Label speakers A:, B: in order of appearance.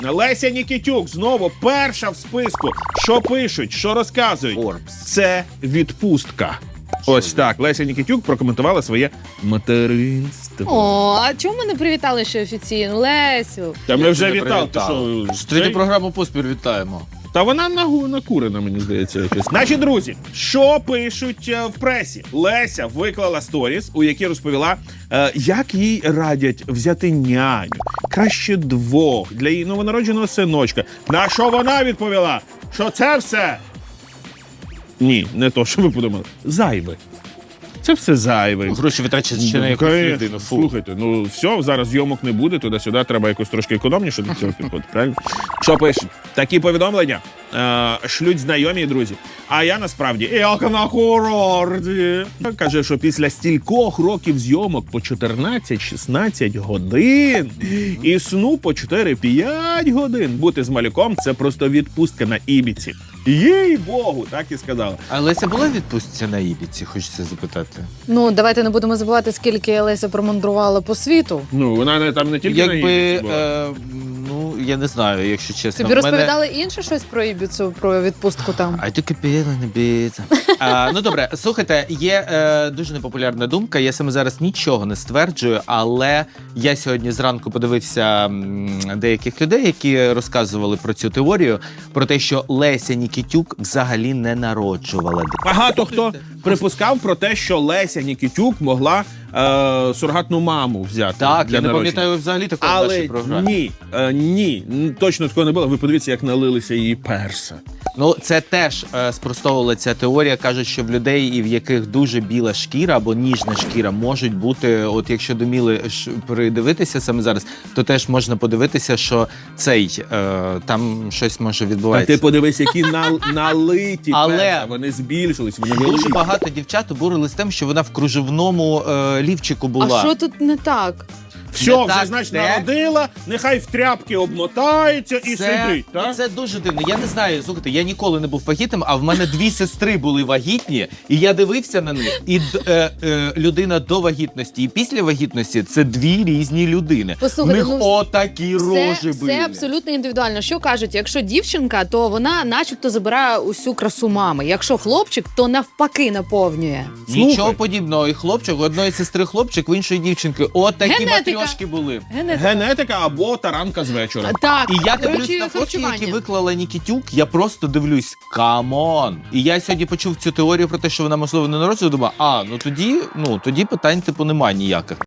A: Леся Нікітюк знову перша в списку. Що пишуть, що розказують? Це відпустка. Ось так. Леся Нікітюк прокоментувала своє материнство.
B: О, а чому ми не привітали ще офіційно? Лесю.
A: Та ми вже вітали.
C: Третю програму поспіль вітаємо.
A: Та вона накурена, мені здається, якось. Наші друзі, що пишуть в пресі? Леся виклала сторіс, у якій розповіла, як їй радять взяти няню. Краще 2 для її новонародженого синочка. На що вона відповіла? Що це все? Ні, не то, що ви подумали. Зайве. Це все зайве.
C: Гроші витрачать ще на якусь людину.
A: Слухайте, ну все, зараз зйомок не буде, туди-сюди треба якось трошки економніше до цього підходити, правильно? Що пишуть? Такі повідомлення шлють знайомі і друзі. А я насправді, як на курорті. Каже, що після стількох років зйомок по 14-16 годин і сну по 4-5 годин бути з малюком – це просто відпустка на Ібіці. Їй-богу, так і сказала.
C: А Леся була в відпустці на Ібіці, хочеться запитати?
B: Ну, давайте не будемо забувати, скільки Леся промандрувала по світу.
A: Ну, вона там не тільки на Ібіці була.
C: Ну, я не знаю, якщо чесно.
B: Тобі розповідали інше щось про Ібіцу, про відпустку там?
C: А тільки піла не б'ється. Ну добре, слухайте, є дуже непопулярна думка, я саме зараз нічого не стверджую, але я сьогодні зранку подивився деяких людей, які розказували про цю теорію, про те, що Леся Нікітюк взагалі не народжувала дитину.
A: Багато хто припускав про те, що Леся Нікітюк могла сурогатну маму взяти.
C: Так,
A: для
C: я не
A: народження.
C: пам'ятаю взагалі такого в нашій
A: Але
C: програмі.
A: ні, точно такого не було. Ви подивіться, як налилися її перса.
C: Ну, це теж спростовувала ця теорія. Кажуть, що в людей, і в яких дуже біла шкіра або ніжна шкіра, можуть бути, от якщо до Міли придивитися саме зараз, то теж можна подивитися, що там щось може
A: А
C: відбуватися.
A: ти подивись, які налиті
C: Але
A: перса, вони збільшились, вони
C: дуже
A: великі.
C: багато дівчат обурились тим, що вона в кружевному лівчику була.
B: А що тут не так?
A: Все,
C: Не
A: вже,
C: так,
A: значить,
C: де?
A: народила, нехай в тряпки обмотається і сидить. Так?
C: Це дуже дивно. Я не знаю, слухайте, я ніколи не був вагітним, а в мене 2 сестри були вагітні, і я дивився на них. І людина до вагітності і після вагітності – це 2 різні людини.
B: Послухайте,
C: в них
B: ну,
C: отакі рожі були.
B: Це абсолютно індивідуально. Що кажуть, якщо дівчинка, то вона начебто забирає усю красу мами. Якщо хлопчик, то навпаки наповнює.
C: Нічого
A: Слухай.
C: подібного. І хлопчик, у одної сестри хлопчик, в іншої дівчинки. Отакі
B: Генетика.
C: матрьошки були.
A: Генетика або таранка з вечора.
B: Так,
C: І я дивлюсь
B: коротше,
C: на фотки,
B: харчування.
C: які виклала Нікітюк, я просто дивлюсь, камон. І я сьогодні почув цю теорію про те, що вона, можливо, не народжує, думаю, ну тоді питань типу немає ніяких.